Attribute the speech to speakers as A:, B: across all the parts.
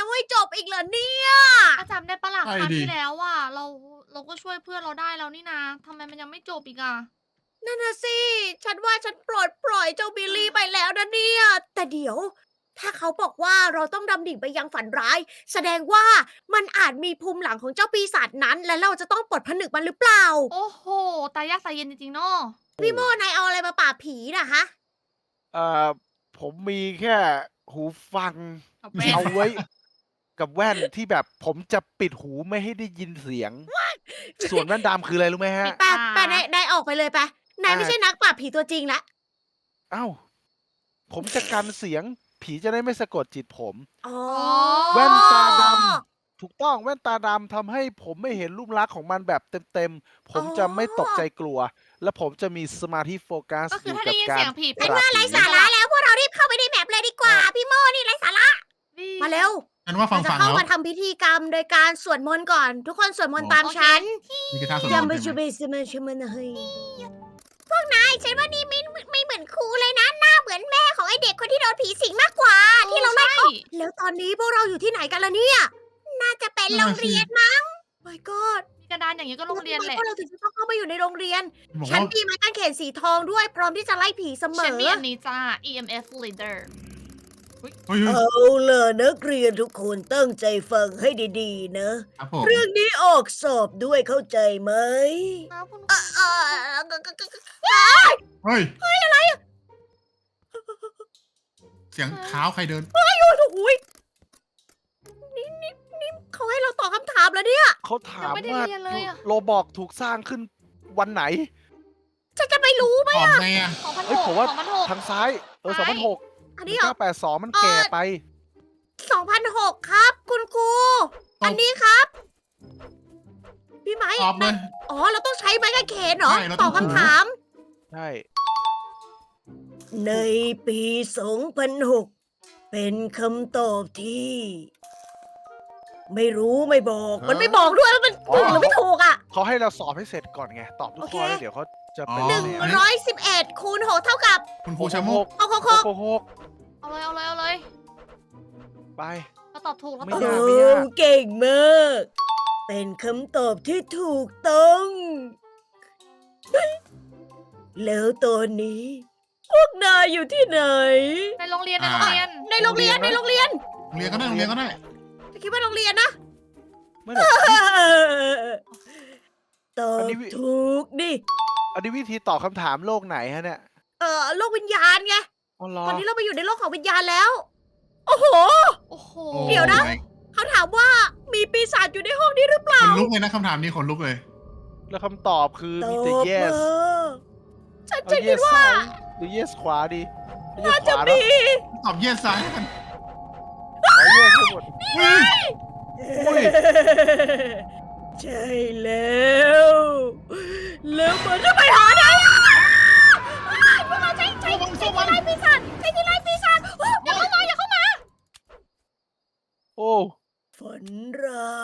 A: ยังไม่จบอีกเหรอเนี่ย
B: ถ้าจำได้ปะล่ะ
C: ใช่
B: ครั้ง
C: ดิ
B: ที่แล้วอะเราก็ช่วยเพื่อนเราได้แล้วนี่นาทำไมมันยังไม่จบอีกอะ
A: นั่นน่ะสิ ฉันว่าฉันปลดปล่อยเจ้าบิลลี่ไปแล้วนะเนี่ย แต่เดี๋ยว ถ้าเขาบอกว่าเราต้องดำดิ่งไปยังฝันร้าย แสดงว่ามันอาจมีภูมิหลังของเจ้าปีศาจนั้น และเราจะต้องปลดผนึกมันหรือเปล่า
B: โอ้โหตายยากตายเย็นจริงๆเนาะ
A: พี่โมนายเอาอะไรมาปราบผีนะฮะ
D: เอ่อผมมีแค่หูฟัง
B: เอาแป้ง
D: เอาไว้ กับแว่นที่แบบผมจะปิดหูไม่ให้ได้ยินเสียง ส่วนแว่นดำคืออะไรรู้ไหมฮะ
A: ไปนายออกไปเลยไปนายไม่ใช่นักปราบผีตัวจริงละ
D: เอ้า ผมจะกันเสียง ผีจะได้ไม่สะกดจิตผม
A: อ๋อ
D: แว่นตาดำ ถูกต้องแว่นตาดำทำให้ผมไม่เห็นรูปลักษณ์ของมันแบบเต็มๆ ผมจะไม่ตกใจกลัว และผมจะมีสมาธิโฟกัส
B: ก็คือ
D: อยู่
B: ถ้า
D: กั
B: ได้
D: บ
B: ยิน
D: กา
B: เสี
D: ร
B: ยงผี
D: ป
A: เป็น
D: ราบ
A: ว่าไร้
D: ผี
A: สาระแล้วพวกเรารีบเข้าไปในแมปเลยดีกว่า พี่โมนี่ไร้สาระ มาเร็ว
C: ฉันว่าฟั
A: เรา
C: ง
A: จะ
C: ฟัง
A: เข้า
C: แล้ว
A: มาทำพิธีกรรมโดยการสวดมนต์ก่อน ทุกคนสวดมนต์ตาม
B: โอเค
A: ฉัน
C: นี่คือท่าสวดม
A: ยั
C: น
A: ม
C: ต์
A: ไป
C: ใช่
A: ชู
C: ไห
A: เบ
C: ม
A: สมันชมันเฮ้ยพวกนายฉันว่านี่ไม่เหมือนครูเลยนะ หน้าเหมือนแม่ของไอเด็กคนที่โดนผีสิงมากกว่า ที่เราไล่
B: ใช่
A: แล้วตอนนี้พวกเราอยู่ที่ไหนกันล่ะเนี่ย น่าจะเป็นโรงเรียนมั้ง my god
B: มีกระดานอย่างนี้ก็โรงเรียนแหละ
A: พวกเราถึงจะต้องเข้ามาอยู่ในโรงเรียน
C: บอก
A: ฉัน
C: ว่า
A: มีไม้กางเขนสีทองด้วย พร้อมที่จะไล่ผีเสม
B: ฉัน
A: อ
B: มีอันนี้จ้า EMF leader
C: เฮ้ยเฮ้ย
A: เอาล่ะนักเรียนทุกคนตั้งใจฟังให้ดีๆนะ
C: ครับผม
A: เรื่องนี้ออกสอบด้วยเข้าใจไหม
B: ครับคุณ
C: เฮ้ยอะไรอะเสียงเท้าใครเดิน
A: โอ้โหยนี่เขาให้เราตอบคำถามแล้วเนี่ย
D: เขาถาม
B: ยังไม่ได้
D: ว่า
B: เรียนเลยอะ
D: โรบอกถูกสร้างขึ้นวันไหน
A: ฉันจะไม่รู้ไหม
C: ตอบไงอ่ะ
B: 2,600
D: เฮ้ยผมว่า
B: 2,600
D: ทางซ้าย
B: ซ้าย
D: 2006
A: อันนี้เหรอ
D: 1982 มันแก่ไป
A: 2006 ครับ คุณครู อันนี้ครับ พี่ไม้
C: ตอบเลย
A: อ๋อ เราต้องใช้ไม้กางเขนเหรอ
C: ใช่เรา
A: ต
C: ต้
A: อ
C: อบ ง
A: คำถาม
D: ใช่
A: ในปี 2006 เป็นคำตอบที่ ไม่รู้ไม่บอก มันไม่บอกด้วยว่ามันถูกหรือไม่ถูกอ่ะ
D: เขาให้เราสอบให้เสร็จก่อนไง ตอบทุกข้อ
A: โอเค
D: แล้วเดี๋ยวเขาจะไป
C: อ๋อ
D: เรียน
A: 111 คูณ 6 เท่ากับ
C: คุณครูชะโมก
A: 6 6 6
D: 6
B: เอาเลยเอาเลยเอาเลย
D: ไป
B: เราตอบถูกแล้ว
D: ไม่
B: ตอบ
D: ยาก
A: โอ้เก่งมาก เป็นคำตอบที่ถูกต้อง แล้วตอนนี้ พวกนายอยู่ที่ไหน
B: ในโรงเรียนในโรงเรียน
A: ในโรงเรียนในโรงเรียน
C: โรงเรียนก็ได้โรงเรียนก็ได้
A: จะคิดว่าโรงเรียนนะ
D: ไม่หรอก
A: ตอบถูกดิ
D: อันนี้วิธีตอบคำถามโลกไหนฮะเนี่ย
A: โลกวิญญาณไง
D: อ๋อเหรอ
A: ตอนนี้เราไปอยู่ในโลกของวิญญาณแล้ว โอ้โห
B: โอ้โห
C: โอ้
A: เดี๋ยวนะ
C: ไม่
A: เขาถามว่ามีปีศาจอยู่ในห้องนี้หรือเปล่า
C: ขนลุกเลยนะคำถามนี้ขนลุกเลย
D: แล้วคำตอบคือ
A: ต
D: มี
A: อบ
D: แต่ yes
A: ฉัน
D: เอา
A: จะคิด
D: yes
A: ว่า
D: ซ้ายหรือ yes ขวาดี yes
A: น่า
D: ข
A: จะ
D: วา
A: มี
D: เนาะ
C: ตอบเยสซ้ายกัน
D: อ๋อ yes ให้หมด
C: อุ้ย
D: อุ้ย
A: ใช่แล้ว แล้วมันจะไปหาไหนอ่ะพวกเราใช้ที่ไล่ปีศาจใช้ที่ไล่ปีศาจอย่าเข้ามาอย่าเข้ามา
D: โอ้
A: ฝันร้าย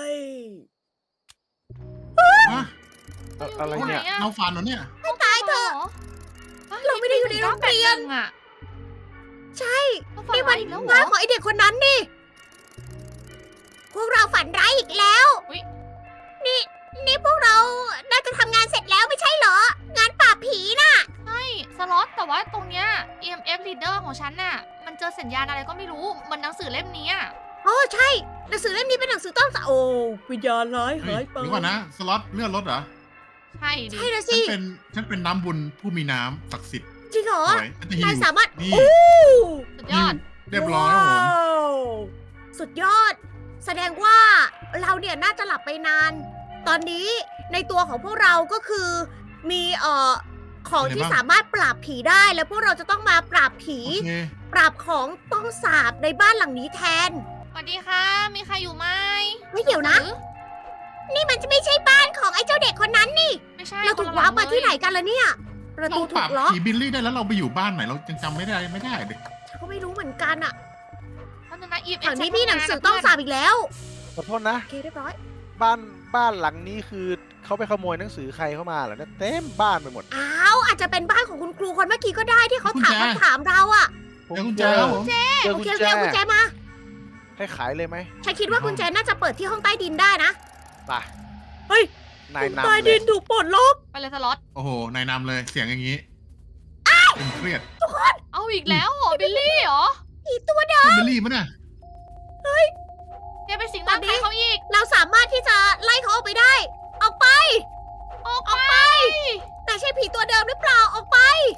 C: ฮะ
D: อะไรเนี่ย
C: เราฝันเหรอเนี่ย
A: ให้ตายเถอะ เราไม่ได้อยู่ในโรงเรียน
B: อ่ะ
A: ใช่
B: เราฝัน
A: นี่
B: ร้า
A: มั
B: ยอีกแล้วเหร
A: บ้าน
B: อ
A: ของไอเด็กคนนั้นนี่ พวกเราฝันร้ายอีกแล้ว
B: อุ๊ย
A: นี่พวกเรา น่าจะทำงานเสร็จแล้วไม่ใช่เหรอ งานปราบผีน่ะ
B: ใช่สล็อตแต่ว่าตรงเนี้ย EMF leader ของฉันน่ะ มันเจอสัญญาณอะไรก็ไม่รู้เหมันหนังสือเล่มนี้อะ
A: โอ้ใช่ หนังสือเล่มนี้เป็นหนังสือต้องสะโอ้วิญญาณร้าย
C: เฮ้
A: หาย ยไป
C: หรือว่านะ สล็อตเลื่อนรถเหรอ
B: ใช่ดิ
A: ใช่นะ
C: ฉั
A: สิ
C: นเป็นน้ำบุญผู้มีน้ำศักดิ์สิทธิ์
A: จริงเหรอ
C: สวยฉันจะหิ
A: นายว สามารถ
C: นี่
A: โอ้
B: สุดยอด
C: เรียบร้อยครับผม
A: ว้าวสุดยอด แสดงว่าเราเนี่ยน่าจะหลับไปนาน ตอนนี้ในตัวของพวกเราก็คือมีของที่สามารถปราบผีได้ แล้วพวกเราจะต้องมาปราบผี
C: โอเค
A: ปราบของต้องสาบในบ้านหลังนี้แทน
B: สวัสดีค่ะ มีใครอยู่ไหม
A: เฮ้ยเดี๋ยวนะ
B: หรือ
A: นี่มันจะไม่ใช่บ้านของไอ้เจ้าเด็กคนนั้นนี่
B: ไม่ใช่
A: เราถูก
B: คนละ
A: ว้าร์ป
B: หลั
A: มาง ที่ไหนกันล่ะเนี่ยประ
C: เรา
A: ตู
C: ป
A: ถู
C: รับ
A: กล็อก
C: ผีบิลลี่ได้แล้วเราไปอยู่บ้านไหนเรายังจำไม่ได้เลย
A: ฉันก็ไม่รู้เหมือนกันอะ
B: เพราะฉะนั้น EMF
A: แถวนี้มีหนังสือต้องสาบอีกแล้ว
D: ขอโทษนะ
A: โอเคเรียบร้อย
D: บ้านหลังนี้คือเขาไปขโมยหนังสือใครเข้ามาเหรอเนี่ยเต็มบ้านไปหมด
A: อ้าวอาจจะเป็นบ้านของคุณครูคนเมื่อกี้ก็ได้ที่เขาถาม
C: กุญแจ
A: คำถามเราอะ
C: เดี๋ยวกุญแจครับผม
D: เจอ
A: โอ
D: กุญ
A: เคโอ
D: แจ
A: เคเอากุญแจมา
D: ให้ขายเลยไหม
A: ฉันคิดว่ากุญแจน่าจะเปิดที่ห้องใต้ดินได้นะ
D: ไป
A: เฮ้ย
D: นาย
A: ห้องใต้
D: นำเล
A: ดิ
D: ย
A: นถูกปลดล็อก
B: ไปเลยสล็อต
C: โอ้โห นายนำเลยเสียงอย่างนี้เป็นเครียด
B: เอาอีกแล้วเหรอบิลลี่เหรอ
A: อีตัวเดิม
C: เป็นเบลลี่มั้ยน่ะ
B: แกไปสิงร่างใครเขาอีก
A: เราสามารถที่จะไล่เขาออกไปได้ ออกไป
B: ออก
A: ออกไป แต่ใช่ผีตัวเดิมหรือเปล่า ออกไป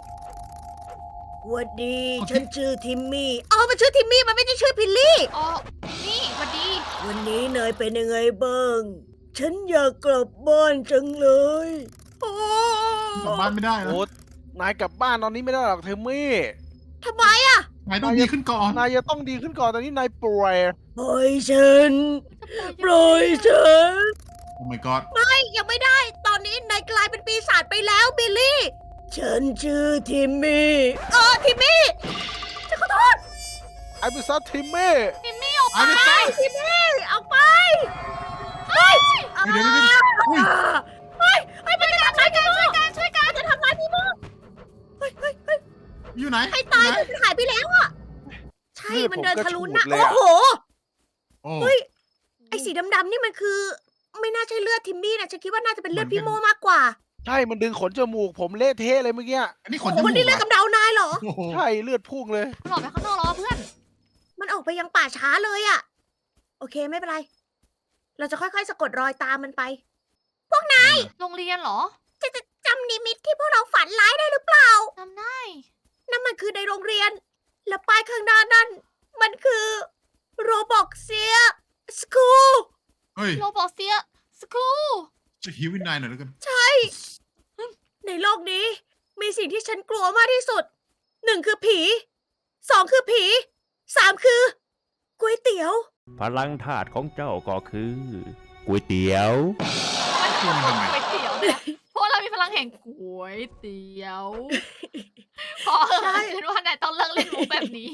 A: วันดี ฉันชื่อทิมมี่อ๋อมันชื่อทิมมี่ มันไม่ใช่ชื่อพิลลี่
B: อ๋อนี่สวัสดี
A: วันนี้นายเป็นยังไงบ้าง ฉันอยากกลับบ้านจังเลยโอ้
C: กลับบ้านไม่ได้นะ
D: โอ้นายกลับบ้านตอนนี้ไม่ได้หรอกเทมมี่
A: ทำไมอะ
C: นายต้องดีขึ้นก่อน
D: นายจะต้องดีขึ้นก่อนตอนนี้นายป่วย
A: ปล่อยฉัน ปล่อยฉัน
C: โอ้ my god
A: ไม่ยังไม่ได้ ตอนนี้นายกลายเป็นปีศาจไปแล้วบิลลี่ ฉันชื่อทิมมี่ทิมมี่ฉันขอโทษ
D: ไอ้บิซัตทิมมี่
B: มิมมี่ออก
C: เอา
B: ไป
C: ไป
A: ทิมมี่เอาไปเฮ้ย
C: เดี๋ยวอุ้ย
A: เฮ้ยมันจะทำร้ายพี่โมช่วยกันมันจะทำร้ายพี่โมเฮ้ย
C: อยู่ไหน
A: ให้ตาย
C: อยู่
A: มัน
C: ไหน
A: หายไปแล้วอะใช่ มันเดินทะลุหน้า
D: เลือดผมกระฉูดเลยอะ
A: โอ้โห
C: โอ้
A: เฮ้ย ไอ้สีดำๆนี่มันคือ ไม่น่าใช่เลือดทิมมี่นะฉันคิดว่าน่าจะเป็นเลือดพี่โมมากกว่า
D: ใช่ มันดึงขนจมูกผมเละเทะเลยเมื่อกี้
C: อันนี้ข
A: โอ้
C: น
A: โห
C: จมู
A: มัน
C: ก
A: นี่เลือด
C: เหร
A: กำเดานายเหรอ
C: โอ้โห
D: ใช่เลือดพุ่งเลย
B: มันออกไปข้างนอกแล้วอะเพื่อน
A: มันออกไปยังป่าช้าเลยอะโอเคไม่เป็นไร เราจะค่อยๆสะกดรอยตามมันไป
B: โรงเรียนเหรอ
A: จะจำนิมิตที่พวกเราฝันร้ายได้หรือเปล่า
B: จำได้
A: นั่นมันคือในโรงเรียน และป้ายข้างหน้านั่น มันคือโรบอกเซียสคูล
C: เฮ้ย
B: โรบอกเซียสคูล
C: จะหิววินนายหน่อยแล้วกัน
A: ในโลกนี้ มีสิ่งที่ฉันกลัวมากที่สุด 1 คือผี 2 คือผี 3 คือก๋วยเตี๋ยว
E: พลังธาตุของเจ้าก็คือก๋วยเตี๋ยว
C: ตัวมันทำไม
B: ก๋วยเตี๋ยวเนี่ยเพราะเรามีพลังแห่งก๋วยเตี๋ยว พอ
A: ใช่
B: ฉันว่านายต้องเลิกเล่นมุกแบบนี้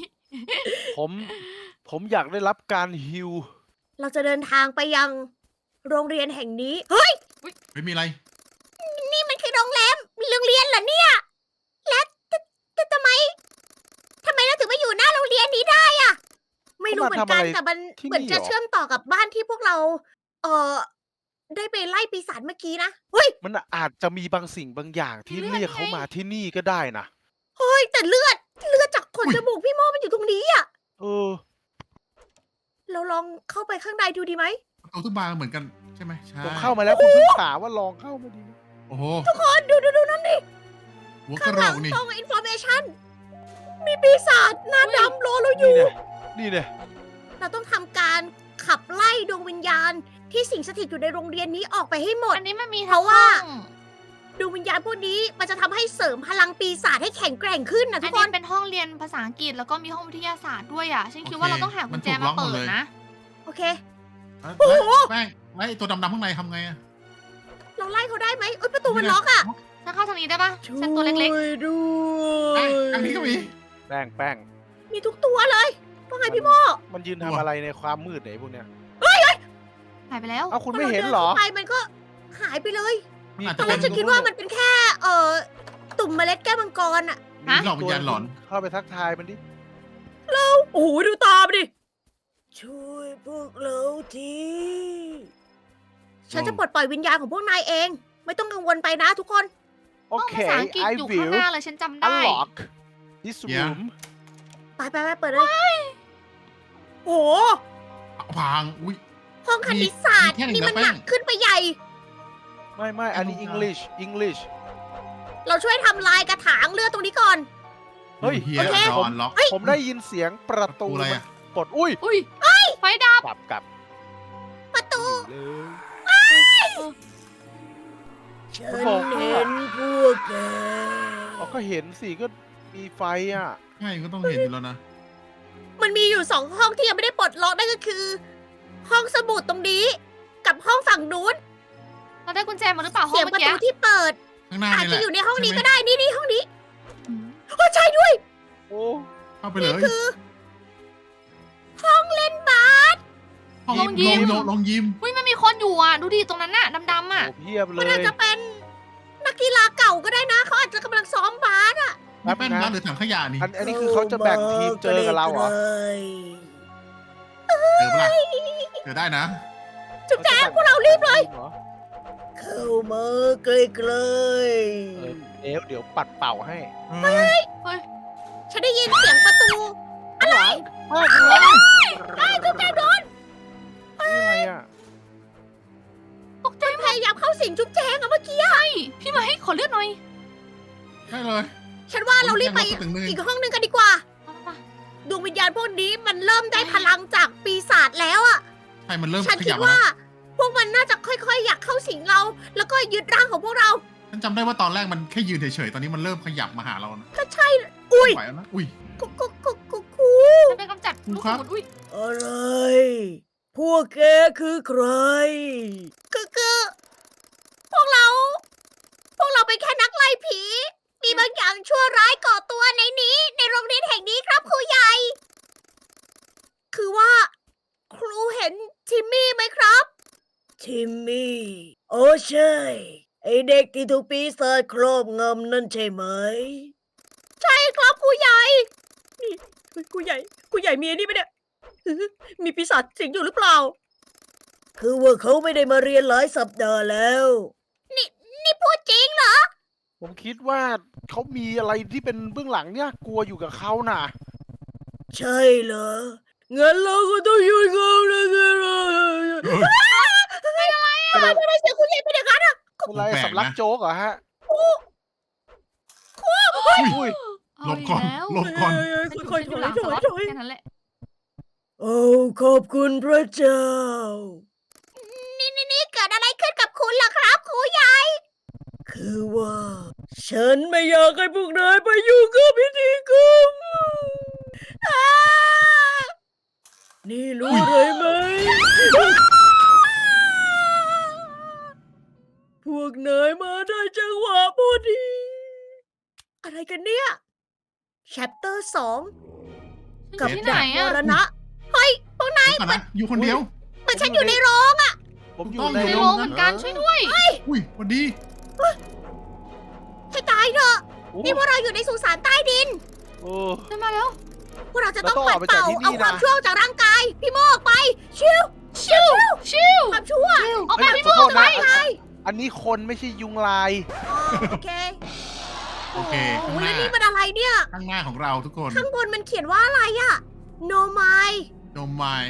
D: ผมอยากได้รับการฮิว
A: เราจะเดินทางไปยังโรงเรียนแห่งนี้ เฮ้ย
C: ไม่มีอะไร
A: นี่มันคือโรงแรมโรงเรียนเหรอเนี่ย และแต่ทำไมเราถึงมาอยู่หน้าโรงเรียนนี้ได้อะไม่รู้เหมือนกัน
D: เขามาทำอะไร
A: แต่มัน
D: ที่นี่
A: เหมือนจะ
D: เหรอ
A: เชื่อมต่อกับบ้านที่พวกเรา ได้ไปไล่ปีศาจเมื่อกี้นะ เฮ้ย
D: มันอาจจะมีบางสิ่งบางอย่างที่
B: มีเลือด
D: เรียกเขา
B: ไง
D: มาที่นี่ก็ได้นะ
A: เฮ้ย แต่เลือดจากขนจมูกพี่โมมันอยู่ตรงนี้อะ
D: เออ
A: เราลองเข้าไปข้างในดูดีไหม
C: ประตูทุกบานเหมือนกันใช่ไหมใช่
D: ผมเข้ามาแล้วคุณเพิ่งถามว่าลองเข้ามาดี
C: โอ้โห
A: ทุกคนดูนั่นดิ
C: หัวก
A: ข้า
C: ระ
A: ง
C: โหล
A: หลัง
C: กนี่
A: ตรงอินโฟเมชันมีปีศาจหน้าดำรอเราอ
D: นี่
A: ยู่
D: เนี่ยนี่เนี่ย
A: เราต้องทำการขับไล่ดวงวิญญาณ ที่สิงสถิตอยู่ในโรงเรียนนี้ออกไปให้หมด
B: อันนี้มันมี
A: เพราะว่า
B: ห้อง
A: ดวงวิญญาณพวกนี้มันจะทำให้เสริมพลังปีศาจให้แข็งแกร่งขึ้นนะทุ
B: อัน
A: กค
B: นี้
A: น
B: เป็นห้องเรียนภาษาอังกฤษแล้วก็มีห้องวิทยาศาสตร์ด้วยอ่ะ ฉันคิดว่าเราต้องหากุญแจมาเปิดนะ
A: โอเค
C: แล้วแป้งไอ้ตัวดำๆข้างในทำไงอะ
A: เราไล่เขาได้ไหมเอ้ยประตูมันล็อกอะ
B: ฉันเข้าทางนี้ได้ปะฉันตัวเล็ก
A: ช่วยด้ว
C: ไอ้
A: ย
C: ทางนี้ก็มี
D: แป้ง
A: มีทุกตัวเลยว่าไงพี่โม
D: มันยืนทำอะไรในความมืดไหนพวกเนี้ย
B: ๆหายไปแล้ว
D: เอ้าคุณไม่เห็นเหรอ
A: พาดิข้าไปมันก็หายไปเลย
C: มันอาจ
A: ต
C: จะ
A: อนแร
C: เป็
A: ก
C: น
A: ฉันคิดว่ามันเป็นแค่ตุ่มเมล็ดแก้วมังกรอะ
C: มีหลอกวิญญาณหลอน
D: เข้าไปทักทายมันดิ
A: โอ้โหดูตามดิ ช่วยพวกเราทีฉันจะปลดปล่อยวิญญาณของพวกนายเอง ไม่ต้องกังวลไปนะทุกคน
D: โอ
B: ห้อง
D: เค
B: ภาษาอังกฤษ
D: I
B: อยู่ข้าง
D: will
B: หน้าเลยฉันจำได้
D: unlock this room
A: ไปเปิดเลย โอ้โห
C: พังอุ้ย
A: ห้องคณิตศาสตร์
C: มีแค่หนึ่ง
A: นี่มัน
C: นะแป้
A: หนั
C: ง
A: กขึ้นไปใหญ่
D: ไม่อันนี้ English
A: เราช่วยทำลายกระถางเลือดตรงนี้ก่อน
D: เฮ้ย
C: เฮีย
A: โอเค
C: ดอนล็อก
D: ผมได้ยินเสียงประตู
C: อะไร
D: มัน
C: อะ
D: กดอุ้ย
B: อุ้ยไฟดับ
D: กลับ
A: ประตู
D: เลย
A: ฉันเห็นพวกแก
D: เขาก็เห็นสิก็มีไฟอ่ะ
C: ใช่ก็ต้องเห็นอยู่แล้วนะ
A: มันมีอยู่2ห้องที่ยังไม่ได้ปลดล็อกนั่นก็คือ ห้องสมุดตรงนี้ กับห้องฝั่งนู้น
B: เราได้กุญแจมาหรือเปล่าห้อ
A: เสี
B: ง
A: ยง
B: เมื่
A: ป
B: อ
A: ระ
B: กี้
A: ตูที่เปิด
C: ข้างหน้า
A: อาจ
C: นี่แห
A: จะ
C: ละ
A: อยู่ในห้องนี้
C: ใช่ไหม
A: ก็ได้นี่ห้องนี้
B: อืม
A: โอ้ใช่ด้วย
D: โอ้
C: เข้าไปเลย
A: คือ ห้องเล่นบาส
C: ห้อง
B: ลงยิม
C: ลงยิม
B: อุ้ยมันมีคนอยู่อ่ะ ดูดิตรงนั้นน่ะดำๆอ่ะ
D: โหเพียบเล
A: มัน
D: ย
A: อาจจะเป็นนักกีฬาเก่าก็ได้นะเขาอาจจะกำลังซ้อมบาสอะ
C: มีแป้นร้านหรือถังขยะนี่
D: อันนี้คือเขาจะแบ่งทีมเจอกับเราเหรอ
C: เจอปะล่ะเจอได้นะ
A: จุ๊บแจงพวกเรารีบเลย
D: หรอ
A: เข้ามาใกล้
D: เดี๋ยวปัดเป่าให้
C: เฮ้ย
A: ๆฉันได้ยินเสียงประตู อะไร
D: มากเลย
A: ได้จุ๊บแจงโดน
D: นี่อะไรอ่ะ
B: ตกใจ
A: พยายามเข้าสิงจุ๊บแจงอะเมื่อกี้
B: พี่มาให้ขอเลือดหน่อย
C: ได้เลย
A: ฉันว่าเรารีบไป
C: ตึงนึง
A: อีกห้องหนึงกันดีกว่า ดวงวิญญาณพวกนี้มันเริ่มได้พลังจากปีศาจแล้วอะ
C: ใช่มันเริ่ม
A: ฉัน
C: ข
A: คิด
C: ยับ
A: ว่า
C: แล้ว
A: พวกมันน่าจะค่อยๆ อยากเข้าสิงเรา แล้วก็ยึดร่างของพวกเรา
C: ฉันจำได้ว่าตอนแรกมันแค่ยืนเฉยๆ ตอนนี้มันเริ่มขยับมาหาเรานะ
A: ก็ใช่ อุ้ย
C: ไหวแล้วนะ อุ้ย
A: กุ๊กกุ๊กกุ๊กกุ๊กกุ
B: ฉันไปกำจัดลูก
C: ครับ
B: สมุนอุ้ย
A: อะไร พวกแกคือใคร คือพวกเราเป็นแค่นักไล่ผี มีบางอย่างชั่วร้ายก่อตัวในนี้ ในโรงเรียนแห่งนี้ครับครูใหญ่ คือว่า ครูเห็นทิมมี่ไหมครับ ทิมมี่ โอ้ใช่ ไอเด็กที่ถูกปีศาจครอบงำนั่นใช่ไหม ใช่ครับครูใหญ่ นี่ครูใหญ่มีอันนี้ไหมเนี่ย มีปีศาจสิงอยู่หรือเปล่า คือว่าเขาไม่ได้มาเรียนหลายสัปดาห์แล้ว นี่พูดจริงเหรอ
D: ผมคิดว่าเขามีอะไรที่เป็นเบื้องหลังเนี่ยกลัวอยู่กับเขาน่ะ
A: ใช่เหรอ งั้นเราก็ต้องหยุดเขาแล้วสิ
C: เฮ้ย
A: ทำไมเสียงคุณใหญ่เป็นอย่างนั้นอะ
D: อะไร
C: แปลกนะ
D: สำลักโจ๊กเหรอฮะ
C: อุ้ย
B: เอา
C: หลบ
B: อีก
C: ก่อน
B: แล้ว
C: หลบก่อน
A: ค่อยๆถ
B: ฉัน
A: อย
B: หลัง
A: ถ
B: ส
A: อ
B: ล็
A: ย
B: อต
A: ถอย
B: แค่นั้นแหละ
A: โอ้ขอบคุณพระเจ้า นี่เกิดอะไรขึ้นกับคุณล่ะครับครูใหญ่ คือว่า ฉันไม่อยากให้พวกนายไปยุ่งกับพิธีกรรมนี่รู้อะไรไหม พวกนายมาได้จังหวะพอดี อะไรกันเนี่ย chapter 2 กับ
B: ที่ไหน
A: ดักม
B: อะ
A: รณะ เฮ้ย พวกนาย
C: เดี๋ยวก่อนนะอยู่คนเดียว
A: เหมือนฉันอยู่ในโรง
D: ผมอยู่
C: ต้อง
D: ใน
B: ใน
C: ยู่
B: โรงเหมือนกันช่วยด้วย
C: อุ้ยพอดี
A: ให้ตายเถอะ
D: โอ้
A: นี่พวกเราอยู่ในสุสานใต้ดิน
D: โอ้
B: ขึ้นมาแล้ว
A: พวกเราจะต้อง
D: แล้วต้อง
A: ปัด
D: ออกไปจากที่นี่
A: เป่าเอาความ
D: นะ
A: ชั่วออกจากร่างกาย พี่โมออกไป ชิว
B: ชิว
A: ความชั่ว
B: ออกไปพี่
D: ขอ
B: โม
D: โทษ
B: ไป
D: นะอันนี้คนไม่ใช่ยุงลาย
A: อ๋อโอเค
C: โอเค
A: โอ้
C: ข้าง
A: โห
C: ห
A: แล้ว
C: น้า
A: นี่มันอะไรเนี่ย
C: ข้างหน้าของเราทุกคน
A: ข้างบนมันเขียนว่าอะไรอะ no my
C: No my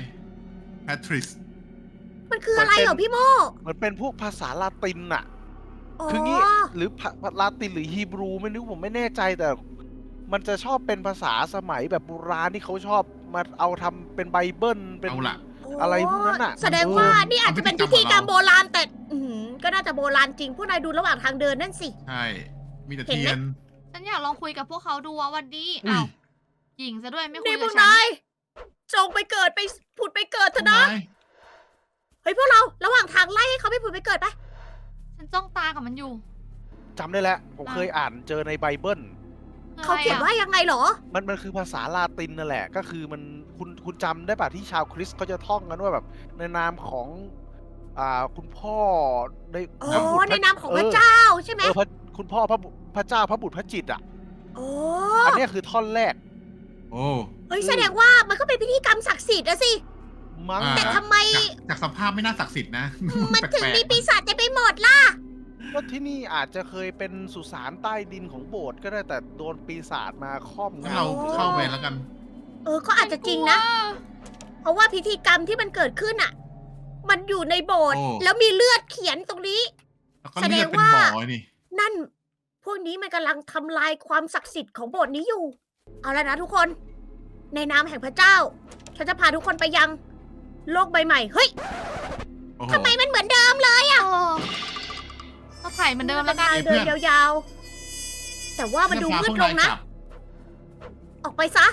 C: Patrice
A: มันคืออะไรเหรอพี่โม
D: เหมือนเป็นพวกภาษาลาตินน่ะ
A: อ๋อ
D: คืองี้หรือลาตินหรือฮีบรูไม่รู้ผมไม่แน่ใจแต่ มันจะชอบเป็นภาษาสมัยแบบโบราณที่เขาชอบมาเอาทำเป็นไบเบิลเป็น
C: เอาล่ะ
D: อะไรพวกนั้นน่ะ
A: แสดงว่า
C: มัน
A: นี่อาจจะเป็นพิธีกรรมโบราณแต่ก็น่าจะโบราณจริง พวกนายดูระหว่างทางเดินนั่นสิ
C: ใช่ มีแต่
A: เห็น
C: เที
A: ไหม
C: ยน
B: ฉันอยากลองคุยกับพวกเขาดูว่าวันดี
C: อุ้ย
B: อ้าวหญิงซะด้วยไม่คุ
A: นี่
B: ย
A: พ
B: กั
A: ว
B: บ
A: ก
B: ฉัน
A: นายจงไปเกิดไปผุดไปเกิดเถอะนะ
C: นาย
A: เฮ้ยพวกเราระหว่างทางไล่ให้เขาไปผุดไปเกิดไป
B: ฉันจ้องตากับมันอยู่
D: จำได้แล้ว ผมเคยอ่านเจอในไบเบิล
A: เขาเขียนว่ายังไงเหรอ
D: มันคือภาษาลาตินนั่นแหละ ก็คือมันคุณจำได้ป่ะที่ชาวคริสต์เขาจะท่องกันว่าแบบในนามของคุณพ่อใน
A: อ๋
D: พระบุ
A: อ
D: ตร
A: ในนามของพระเจ้าใช่ไหม
D: คุณพ่อพระเจ้าพระบุตรพระจิตรอ่ะ
A: โอ้
D: อันเนี้ยคือท่อนแรก
C: โอ้
A: เฮ้ยแสดงว่ามันก็เป็นพิธีกรรมศักดิ์สิทธิ์อะสิ
D: มั้ง
C: อ่า
A: แต่ทำไม
C: จากสภาพไม่น่าศักดิ์สิทธิ์นะ
A: มันถึง
C: แปลกๆ
A: มีปีศาจเต็มไปหมดล่ะ
D: ก็ที่นี่อาจจะเคยเป็นสุสานใต้ดินของโบสถ์ก็ได้แต่โดนปีศาจมาครอบ
C: งั้น
D: งำ
C: เราเข้าไปแล้วกัน
A: ก็อาจจะจริงนะ เพราะว่าพิธีกรรมที่มันเกิดขึ้นอะมันอยู่ในโบสถ์
C: โอ้
A: แล้วมีเลือดเขียนตรงนี้
C: แล้วก็เลือดเป็นบ่อนี่
A: นั่น พวกนี้มันกำลังทำลายความศักดิ์สิทธิ์ของโบสถ์นี้อยู่ เอาแล้วนะทุกคน ในนามแห่งพระเจ้า ฉันจะพาทุกคนไปยัง โลกใบใหม่ เฮ้ย
C: โอ้โห
A: ทำไมมันเหมือนเดิมเลย
B: ก็ถ่ายเหมือนเดิมแล้วกัน
A: เดินยาวๆ แต่ว่ามันดูมืดลงนะ ออกไปซะ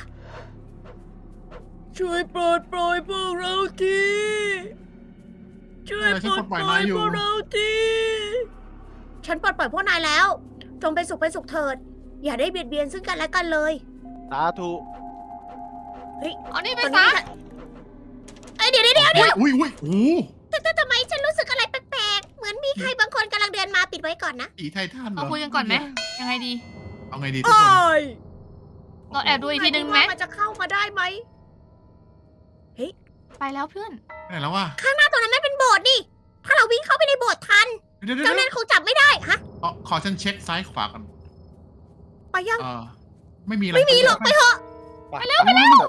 A: ช่วยปลดปล่อยพวกเราทีช่วยปลดปล่อยพวกเราทีฉันปลดปล่อยพวกนายแล้ว จงเป็นสุขเป็นสุขเถิด อย่าได้เบียดเบียนซึ่งกันและกันเลย
D: สาธุ
B: เอานี่ไป
A: ตอน
B: ซะ
A: นี้เดี๋ยว
C: อุ้ยโอ้โห
A: แต่ทำไมฉันรู้สึกอะไรแปลกๆ เหมือนมีใครบางคนกำลังเดินมาปิดไว้ก่อนนะ
C: ผีไททันเหร
B: เรา
C: อ
B: คุยกันก่อนไหมยังไงดี
C: เอาไงดีทุกคน
B: เราแอบดูอีกทีนึงไหม
A: มันจะเข้ามาได้ไหมเฮ้ย
B: ไปแล้วเพื่อน
C: ไหนแล้ววะ
A: ข้างหน้าตรงนั้นมันเป็นโบสถ์นี่ ถ้าเราวิ่งเข้าไปในโบสถ์ทัน
C: เดี๋ยว
A: เจ้านั่นคงจับไม่ได้ฮะ
C: ขอฉันเช็คซ้ายขวาก่อน
A: ไปยัง
C: ไม่มีอะไร
A: ไม่มีหรอกไปเถอะ
D: ไปเร็วไปเร็ว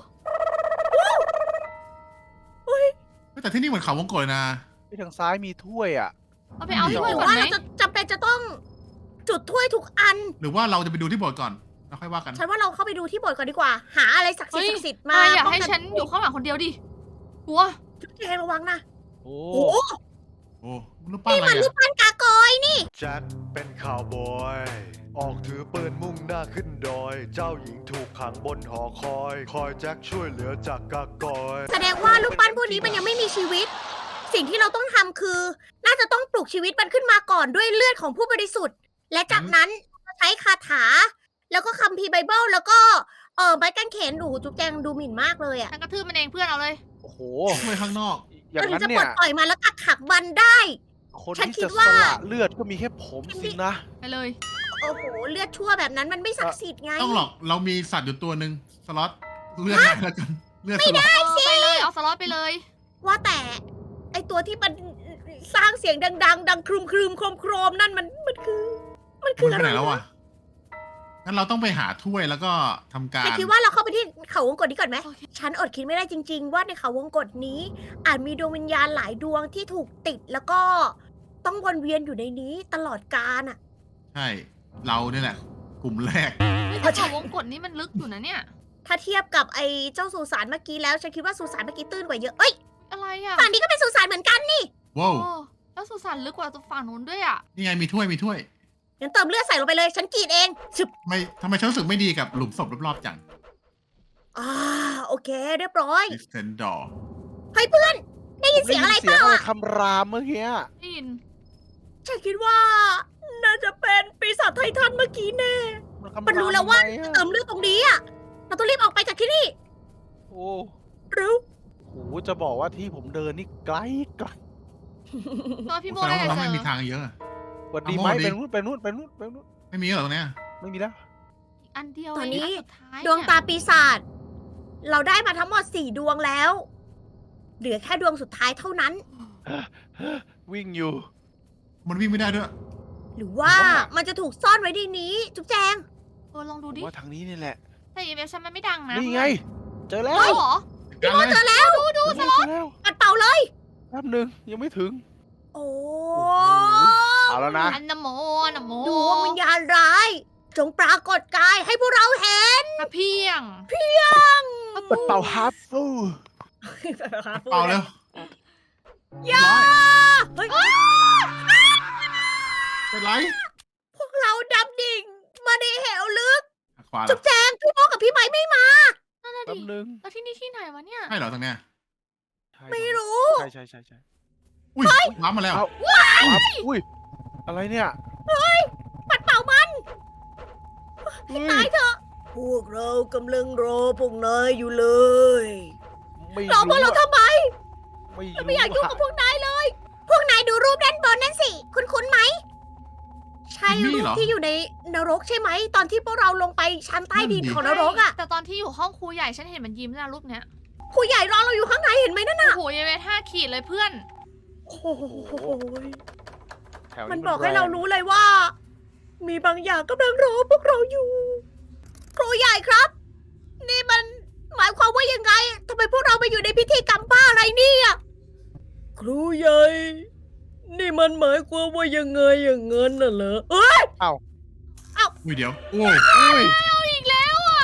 C: แต่ที่นี่เหมือนเขาวงกตเลยนะ
D: ที่ทางซ้ายมีถ้วยอ่ะ
B: เอาไปเอา
A: ห
B: ถ้วย
A: รือ
B: ก่อน
A: ว่า
B: ไหม
A: เราจะจำเป็นจะต้องจุดถ้วยทุกอัน
C: หรือว่าเราจะไปดูที่โบสถ์ก่อนแล้วค่อยว่ากัน
A: ฉันว่าเราเข้าไปดูที่โบสถ์ก่อนดีกว่า หาอะไรศักดิ์สิท
B: เฮ้ย
A: ธิ์ศักดิ์สิทธิ์
B: มา
A: มา
B: อย่า
A: ป้ง
B: ให้
A: กั
B: ฉันอยู่ข้างหลังคนเดียวดิกลัว
A: จุ๊บแจงระวังนะ
D: โอ้
A: โอ้โห
C: โอ้รูปปั้น
A: นี่
C: อะไร
A: มันรูป
C: อะ
A: ปั้นกากอยนี่
F: แจ็คเป็นข่าวบอย ออกถือปืนมุ่งหน้าขึ้นดอย เจ้าหญิงถูกขังบนหอคอย คอยแจ็คช่วยเหลือจากกากอย
A: แสดงว่ารูปปั้นพวกนี้มันยังไม่มีชีวิต สิ่งที่เราต้องทำคือ น่าจะต้องปลุกชีวิตมันขึ้นมาก่อนด้วยเลือดของผู้บริสุทธิ์ และจากนั้นใช้คาถา แล้วก็คัมภีร์ไบเบิลแล้วก็ไม้กางเขนดูจุ๊บแจงดูหมิ่นมากเลยอ่ะ
B: ฉันกระทืบมันเองเพื่อนเอาเลย
D: โอ้โห
C: ช่วยข้างนอก
D: อย่าง
A: เราถึ
D: นั้
A: ง
D: น
A: จะปล
D: เนี่
A: ด
D: ย
A: ปล่อยมาแล้วกักขังมันได้
D: คน
A: ฉัน
D: ที่
A: คิ
D: จะ
A: ด
D: ส
A: ว่า
D: ละเลือดก็มีแค่ผมสินะ
B: ไปเลย
A: โอ้โหเลือดชั่วแบบนั้นมันไม่ศักดิ์สิทธิ์ไง
C: ต้องหรอกเรามีสัตว์อยู่ตัวหนึ่งสล็อตเลือดไหลแล้วกันเลือดสล็อต
B: ไปเลยเอาสล็อตไปเลย
A: ว่าแต่ไอตัวที่มันสร้างเสียงดังๆ ดังครึมๆโครมๆนั่นมันคือ
C: มัน
A: อะ
C: ไป
A: ไร
C: ไหนแล้ว
A: วะ
C: วะงั้นเราต้องไปหาถ้วยแล้วก็ทำการ
A: ฉันคิดว่าเราเข้าไปที่เขาวงกตนี้ก่อนไหม
B: โอเค
A: ฉันอดคิดไม่ได้จริง ๆ ว่าในเขาวงกตนี้ อาจมีดวงวิญญาณหลายดวงที่ถูกติดแล้วก็ต้องวนเวียนอยู่ในนี้ตลอดกาลอ่ะ
C: ใช่ เราเนี่ยแหละ กลุ่มแรก
B: แต่เขาวงกดนี่มันลึกอยู่นะเนี่ย
A: ถ้าเทียบกับไอ้เจ้าสุสานเมื่อกี้แล้วฉันคิดว่าสุสานเมื่อกี้ตื้นกว่าเยอะเอ้ย
B: อะไรอ่ะ
A: ฝั่งนี้ก็เป็นสุสานเหมือนกันนี่
C: ว้าว
B: โอ้แล้วสุสานลึกกว่าตรงฝั่งนู้นด้วยอ่ะ
C: นี่ไงมีถ้วยมีถ้วย
A: งั้นเติมเลือดใส่ลงไปเลย ฉันกรีดเองชึบ
C: ทำไมฉันรู้สึกไม่ดีกับหลุมศพรอบๆจัง
A: โอเคเรียบร้อย
C: ดิสเทนดอร์
A: เฮ้ยเพื่อน ได้ยินเสียงอะไร
D: เสี
A: เป
D: ยง
A: ล่า
D: อะไร
A: อะ
D: คำรามเมื่อกี้
B: ได้ยิน
A: ฉันคิดว่า น่าจะเป็นปีศาจไททันเมื่อกี้แน่
D: คำ
A: มันรู้แล้วว่า
D: ทำไม
A: จะ
D: อะ
A: เติมเลือดตรงนี้อ่ะ เราต้องรีบออกไปจากที่นี่
D: โอ้
A: หรือ
D: โหจะบอกว่าที่ผมเดินนี่ไกลไกล
B: ตัวพี่โบ
C: แสด
B: ได้
C: งว่า
B: แต่
C: เรา
B: เจ
C: ไม่
B: อ
C: มีทางเยอะ
D: สวัสดี
C: เอา
D: ไหม
C: โม่ดิ
D: ไปนู่นไปนู่นไปนู่นไปนู่น
C: ไม่มีเหรอตรงเนี้ย
D: ไม่มีแล้ว
B: อันเดียว
A: ตอนนี้
B: เงะสุดท้าย
A: ดวงตาปีศาจเราได้มาทั้งหมด4ดวงแล้ว เหลือแค่ดวงสุดท้ายเท่านั้น
D: วิ่งอยู่
C: มันวิ่งไม่ได้ด้วย
A: หรือว่า
D: ว่า
A: มันจะถูกซ่อนไว้ในนี้ จุ๊บแจง
B: ลองดู
D: ผม
B: ดิ
D: ว่าทางนี้นี่แหละ
B: แต่อีเมลฉันมันไม่ดังนะ
D: นี่ไง เจอแล้ว
B: เฮ้ยเหรอ
C: กันเลย
A: เจอแล้ว
D: เจอแล้ว
A: ปัดเป่าเลย
D: แป๊บหนึงยังไม่ถึง
A: โอ้
D: เอาแล้วนะ
B: อันนโมอันนโม
A: ดวงวิญญาณร้าย จงปรากฏกายให้พวกเราเห็น
B: กระเพียง
D: ปัดเป่าฮาร์ฟฟู
C: เปล่าเร็ว
A: อย่าเฮ้ย
C: เป็นไร
A: พวกเราดำดิ่งมาในเหวลึก
C: ขวาเหร
A: จุ๊
C: อบ
A: แจงพี่โมกับพี่ไม้ไม่มา
B: นั่นน่ะ
D: แป๊
B: ดิ
D: บหนึง
B: แล้วที่นี่ที่ไหนวะเนี่ย
C: ใช่เหรอตรงเนี้ย
D: ใช่
A: ไม่รู้
D: ใช่ใช่ใช่ใช่
C: อุ้ยว้ามาแล้ว
D: เอา ครับอุ้ย อะไรเนี่ย
A: ปัดเป่ามัน
D: เฮ้ย
A: ตายเถอะ พวกเรากำลังรอพวกนายอยู่เลย
D: ไม่
A: รอพวกเราทำไม
D: ไม่
A: ไม่อยากยุ่งกับพวกนายเลย พวกนายดูรูปด้านบนนั่นสิ คุ้นๆไหม ใช่
C: จิมมี่
A: รูป
C: เหรอ
A: ที่อยู่ในนรกใช่ไหม ตอนที่พวกเราลงไปชั้นใต้ดิน
C: นั่นดิ
A: ของนรกอ่ะ
B: แต่ตอนที่อยู่ห้องครูใหญ่ฉันเห็นมันยิ้มนะรูปเนี้ย
A: ครูใหญ่รอเราอยู่ข้างในเห็นไหมนั่นน่ะ
B: โอ้โหยังไง5 ขีดเลยเพื่อน
A: โอ้โห
D: แถว
A: มันบอกให้เรารู้เลยว่า มีบางอย่างกำลังรอพวกเราอยู่ ครูใหญ่ครับ นี่มันหมายความว่ายังไงทำไมพวกเราไปอยู่ในพิธีกรรมบ้าอะไรเนี่ยครูใหญ่ นี่มันหมายความว่ายังไงอย่างนั้นน่ะเหรอเอ้ย
C: อุ้ยเดี๋ยว โอ้
D: อุ้ย
B: อีกแล้วอ่ะ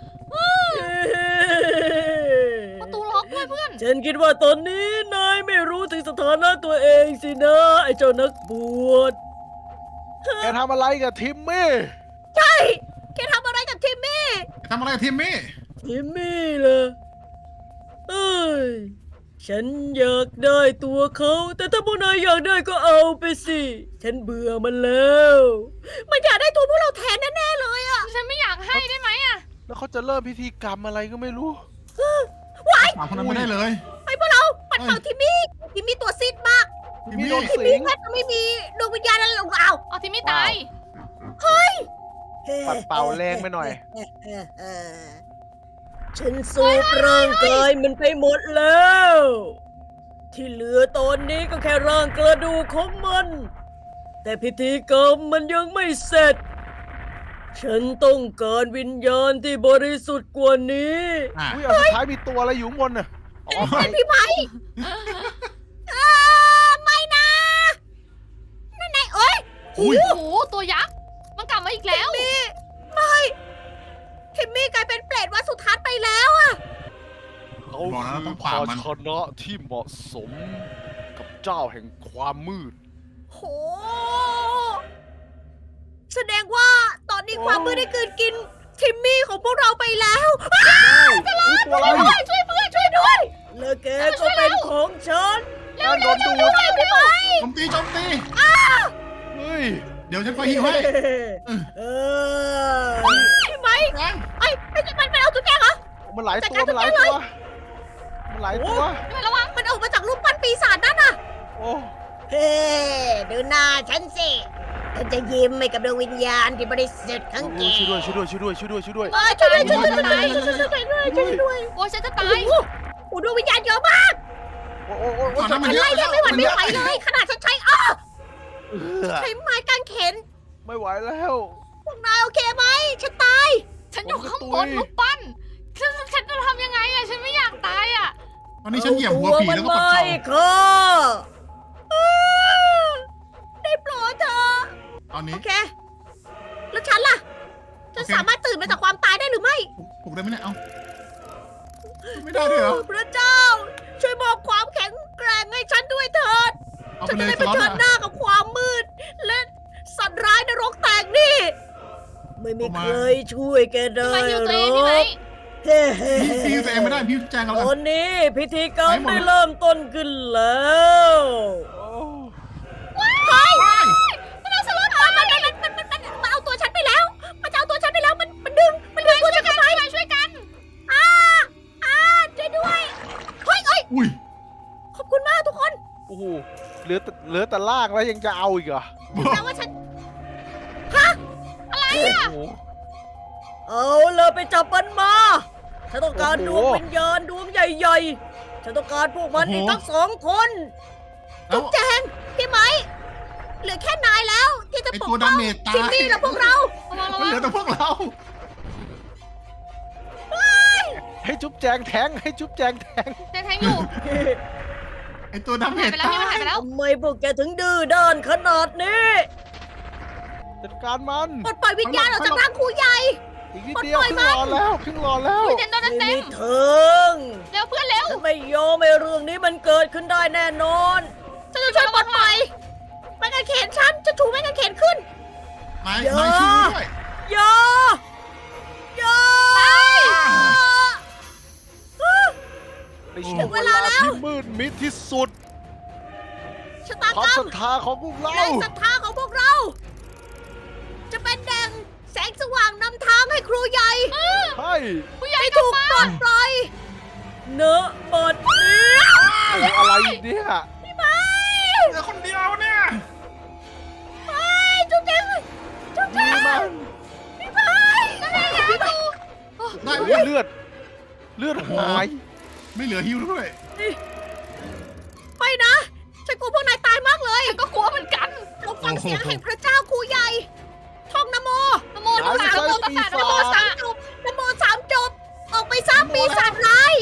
B: ประตูล็อกด้วยเพื่อน
A: ฉันคิดว่าตอนนี้นายไม่รู้ถึงสถานะตัวเองสินะไอ้เจ้านักบวช
D: แกทำอะไรกับทิมมี่
A: ใช่แกทำอะไรกับทิมมี่
C: ทำอะไรกับทีมมี่
A: ทิมมี่เหรอเอ้ย ฉันอยากได้ตัวเขา แต่ถ้าพวกนายอยากได้ก็เอาไปสิ ฉันเบื่อมันแล้ว มันอยากได้ตัวพวกเราแทนแน่ๆเลยอะ
B: ฉันไม่อยากให้ได้ไหมอ่ะ
D: แล้วเขาจะเริ่มพิธีกรรมอะไรก็ไม่รู้
C: ถามคนนั้นไม่ได้เลย
A: ไปพวกเราปัดเป่าทิมมี่ทิมมี่ตัวซีดมาก
C: ทิมมี่
D: โดน
A: ทิม
D: สิ
A: มี่
D: ง
A: แทบจะไม่มีดวงวิญญาณอะไรหรอกเอา
B: เอาที่ไม่ตาย
D: ปัดเป่าแรงไปหน่อย
A: ฉันสูบร่างกายมันไปหมดแล้ว ที่เหลือตอนนี้ก็แค่ร่างกระดูกของมัน แต่พิธีกรรมมันยังไม่เสร็จ ฉันต้องการวิญญาณที่บริสุทธิ์กว่านี้
C: อ่ะ
D: อุ้ยอันสุดท้ายมีตัวอะไรอยู่ข้างบนน่ะอ๋อไม้
A: พี่ไม้ไม่นะนั่นไงเอ้ย
C: อุ้ย
B: โอ้โห ตัวยักษ์ มันกลับมาอีกแล้ว
A: ไม่ทิมมี่กลายเป็นเปรตวัดสุทัศน์ไปแล้วอะ
D: เขา
C: บอกแล้ว
D: คือ
C: ต้อง
D: ภา
C: ปราบมัน
D: ชนะที่เหมาะสมกับเจ้าแห่งความมืด
A: โห แสดงว่าตอนนี้ความมืดได้กลืนกินทิมมี่ของพวกเราไปแล้ว
D: อุ๊ยตัวอะไร
A: ช่วยเพื่อนช่วยด้วยแล้วแกก็เป็นของฉัน
D: นั่นโดนดูด
A: พี่ไม้
C: โจมตีโจมตี
D: เฮ้ย
C: เดี๋ยวฉันไปหิวให้
A: พี่ไม้
C: แรง
A: ไอ้มันเอาตุ๊กแกเหรอ
D: มันหลาย
A: จัด
D: ตัว
A: การ
D: มันหลาย
A: จัดการ
D: ตัว
A: เลย
D: มันหลายตัว
B: ไม่ระวัง
A: มันออกมาจากรูปปั้นปีศาจนั่นน่ะ
D: โอ้
A: เฮ้ดูหน้าฉันสิฉันจะยิ้มให้กับดวงวิญญาณที่บริสุทธิ์ของแก
D: ช่วยด้วยช่วยด้วยช่วยด้วยช่วยด้วย
A: ช่วยด้วยช่วยด้วย
B: โอ้ยฉันจะตาย
A: โอ้โหดวงวิญญาณเยอะมาก
D: โอ้โอ้โอ้
C: ก่อนหน้ามัน
A: ฉัน
C: เยอะ
A: ไล่เรียกไม่หวั่นไม่ไหวเลย ขนาดฉันใช้ใช้ไม้กางเขน
D: ไม่ไหวแล้ว
A: พวกนายโอเคไหมฉันตาย
B: ฉันอยู่ข้างบน
D: ผมจะตุย
B: รูปปั้นฉันจะทำยังไงอะฉันไม่อยากตายอะ
C: ตอนนี้ฉันเหยียบหัวผีแล้วก็ปัด
A: เอา
C: เข่า
A: ตัวมันไม่ค่ะได้โปรดเธอะ
C: ตอนนี้
A: โอเค แล้วฉันล่ะ จะ
C: โอเค
A: สามารถตื่นมาจากความตายได้หรือไม่
C: ปลุกได้ไหมเนี่ย เอาไม่ได้ด้วยเหรอ
A: พระเจ้า ช่วยมอบความแข็งแกร่งให้ฉันด้วยเถิด
C: เอา
A: ฉั
C: ไป
A: น
C: เล
A: จะ
C: ย
A: ได้
C: ส
A: เผ
C: ล็อต
A: ชิญหน้ากับความมืด และสัตว์ร้ายนรกแตกนี่ ไม่มีใครช่วยแกได้
B: มาฮิว
A: ห
B: ตัว
A: ร
B: เอง
A: อ
B: พี่ไหม
A: กเฮ้เฮ้
C: พี่ตัวเองไม่ได้พี่แจ้งกัน
A: ต
C: แล้ว
A: อ
C: กัน
A: นนี้พิธีกรรม
C: ไหนหมด
A: ได้เริ่มต้นขึ้นแล้ว
D: โอ้
A: เฮ้ยมันเอาสล็อตมันเอาตัวฉันไปแล้ว มันจะเอาตัวฉันไปแล้ว มันดึงตัวฉันไปช่วยกันช่วยด้วย เฮ้ย
C: อุ้ย
A: ขอบคุณมากทุกคน
D: โอ้โหเหลือแต่ล่างแล้วยังจะเอาอีกเหรอ
A: แปลว่าฉัน
D: โอ้โห
A: เอาเลยไปจับมันมา ฉันต้องการด
D: โอ้
A: วง
D: โห
A: วิญญาณดวงใหญ่ๆ ฉันต้องการพวกมันอีกทั้ง2 คน
C: แล้ว
A: แจงพี่ไหม เหลือแค่นายแล้ว ที่จะ
C: ไอ
A: ปก
C: ตัว
A: ป้
C: ดา
A: อง
C: เมจตาย
A: จิมมี่และพวกเรา
B: ระวังระ
C: มัน
B: วั
C: เห
B: ง
C: ลือแต่พวกเรา
D: ให้จุ๊บแจงแทงให้จุ๊บแจงแทง
B: เจนแทงอยู่
C: ไอตัวดาเม
B: หาย
C: จ
B: ไปแล้ว
C: ตา
B: พี่มันหาย
C: ย
B: ไปแล้ว
A: ทำไมพวกแกถึงดื้อด้านขนาดนี้
D: จัดการมัน
A: ปลดปล่อยวิญญาณออกจากร่างครูใหญ่
D: อีกนิดเดียว
A: ปล่อย
D: ครึ่ง
A: มัน
D: รอแล้วครึ่งรอแล้ว
B: อุ้ยเจนโดน
A: ไม่
B: เต็
A: มี
B: ม
A: เถิง
B: ๆเร็วเพื่อนเร็ว
A: ฉันไม่ยอมให้เรื่องนี้มันเกิดขึ้นได้แน่นอน ฉันจะช่วยปลดปล่อยไม้กางเขนฉันจะถูไม้กางเขนขึ้น
C: นาย
A: เยอะ
C: นายช่วยด้วย
A: อย่าอย่า
D: ในช่วงเวลาที่มืดมิดที่สุด
A: ชะตา
D: ความ
A: กรร
D: ศ
A: ม
D: รัทธาของพวกเรา
A: แรงศรัทธาของพวกเรา จะเป็นแดงแสงสว่างนำทางให้ครูใหญ่
D: ใช่
B: ผู้ใหญ่
A: ให้
B: กลับ
A: ถูก
B: มา
A: ปลดปล่อยเนอะบดนี้
D: โอ้โหอะไรอีกเนี่ย
C: เหลือคนเดียวเนี่ย
A: ไปจุ๊บแจงจุ๊บแจ
D: ดี
A: ง
D: มาก
A: พี่ไปนั่นไงพี่ไป
C: ได้
D: โอ้
C: ไหม
D: โหเลือดหาย
C: ไม่เหลือฮิวด้วย
A: ไปนะ ฉันกลัวพวกนายตายมากเลย
B: ก็กลัวเหมือนกัน
A: เราฟังเสียงแห่งพระเจ้าครูใหญ่ ท่องนะโม
B: นโมตัสสะนโมตัสสะน
A: นะ
B: โม
A: โม
B: ตัส
A: สา
B: สะ
A: มจบนะโมสามจบ ออกไปสร้างปีศาจร้าย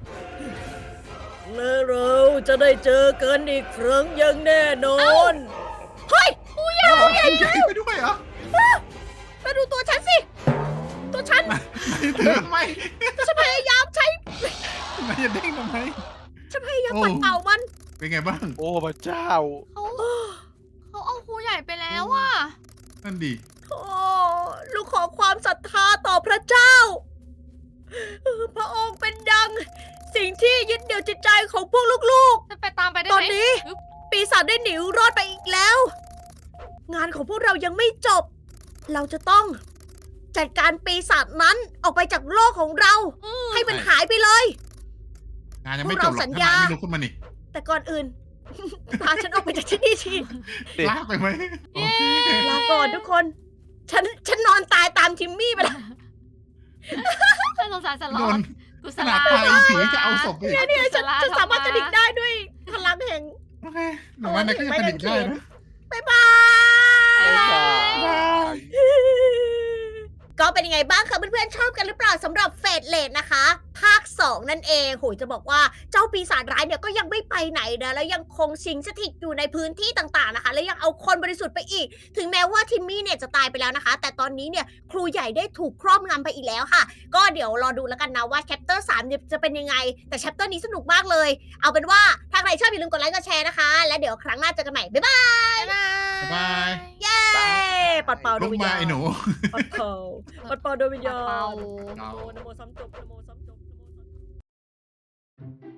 A: และเราจะได้เจอกันอีกครั้งอย่างแน่นอน เฮ้ย
C: ใหญ่ไปด้วยเหรอ
A: มาดูตัวฉันสิ ตัวฉัน
C: ถือทำไม
A: ฉันพยายามใช้
C: นายจะเด้งทำไม
A: ฉันพยายามปัดเป่ามัน
C: เป็นไงบ้าง
D: โอ้พระเจ้า
B: เขาเอาครูใหญ่ไปแล้วอะ
C: นั่นดี
A: โอ้ลูกขอความศรัทธาต่อพระเจ้า พระองค์เป็นดัง สิ่งที่ยึดเหนี่ยวจิตใจของพวกลูก
B: จะไปตามไปได้
A: ๆ ต
B: ไห
A: อน
B: ม
A: นี้ ปีศาจได้หนีรอดไปอีกแล้ว งานของพวกเรายังไม่จบ เราจะต้องจัดการปีศาจนั้นออกไปจากโลกของเรา ให้มันหายไปเลย
C: งานยังไม่จบหรอก
A: พวกเราสัญ
C: ถ้า
A: ญา
C: นายไม่ลุกขึ้นมานี่
A: แต่ก่อนอื่น พาฉันออกไปจากที่นี่ที
D: เด็ก
C: ลากไปไหมโอเค
A: ลาก่อนทุกคน ฉันนอนตายตามทิมมี่ไปแล้ว
B: ฉันสงสารสล็
C: โด
B: อต
C: น
B: กุศ
C: ข
B: ล
C: นาดตายผีจะเอาศพไปอีก
A: เนี่ยฉันสามารถกระดิกได้ด้วยพลังแห่ง
C: โอเคหนูว่าในก็ยังกระดิกได้นะ
A: บ๊ายบาย
D: บ๊ายบาย
A: ก็เป็นยังไงบ้างคะเพื่อนๆชอบกันหรือเปล่าสำหรับเฟสเลดนะคะ ภาค 2 นั่นเองโหยจะบอกว่าเจ้าปีศาจร้ายเนี่ยก็ยังไม่ไปไหนนะแล้วยังคงสิงสถิตอยู่ในพื้นที่ต่างๆนะคะ และยังเอาคนบริสุทธิ์ไปอีก ถึงแม้ว่าทิมมี่เนี่ยจะตายไปแล้วนะคะ แต่ตอนนี้เนี่ยครูใหญ่ได้ถูกครอบงำไปอีกแล้วค่ะ ก็เดี๋ยวรอดูแล้วกันนะว่าแชปเตอร์ 3เนี่ยจะเป็นยังไง แต่แชปเตอร์นี้สนุกมากเลย เอาเป็นว่าถ้าใครชอบอย่าลืมกดไลค์กดแชร์นะคะ และเดี๋ยวครั้งหน้าเจอกันใหม่บ๊ายบาย
B: บ๊ายบาย
C: บ๊ายบาย
A: เย้ปัดเป่าด
C: ลุ
A: วง
C: ก
A: วิญ
C: มา
A: ญาณ
C: ไอ้หนู
A: ปัดเป่าปัดเป่าดวงวิญญาณ
B: เป่า
A: นะโมนะโมซ้ำจบนะโมซ้ำจบนะโมซ้ำจบ